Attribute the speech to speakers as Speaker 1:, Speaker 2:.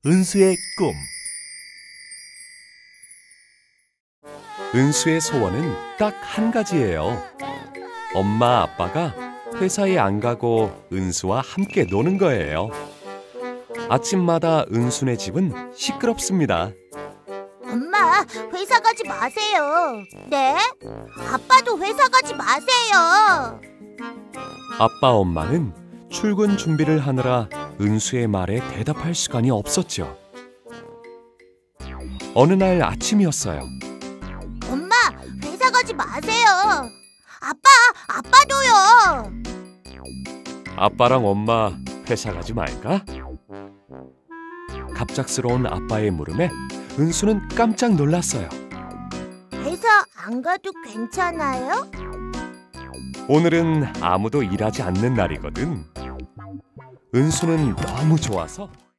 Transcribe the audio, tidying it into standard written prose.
Speaker 1: 은수의 꿈. 은수의 소원은 딱 한 가지예요. 엄마, 아빠가 회사에 안 가고 은수와 함께 노는 거예요. 아침마다 은수네 집은 시끄럽습니다.
Speaker 2: 엄마, 회사 가지 마세요. 네? 아빠도 회사 가지 마세요.
Speaker 1: 아빠, 엄마는 출근 준비를 하느라 은수의 말에 대답할 시간이 없었죠. 어느 날 아침이었어요.
Speaker 2: 엄마, 회사 가지 마세요. 아빠도요.
Speaker 1: 아빠랑 엄마 회사 가지 말까? 갑작스러운 아빠의 물음에 은수는 깜짝 놀랐어요.
Speaker 2: 회사 안 가도 괜찮아요?
Speaker 1: 오늘은 아무도 일하지 않는 날이거든. 은수는 너무 좋아서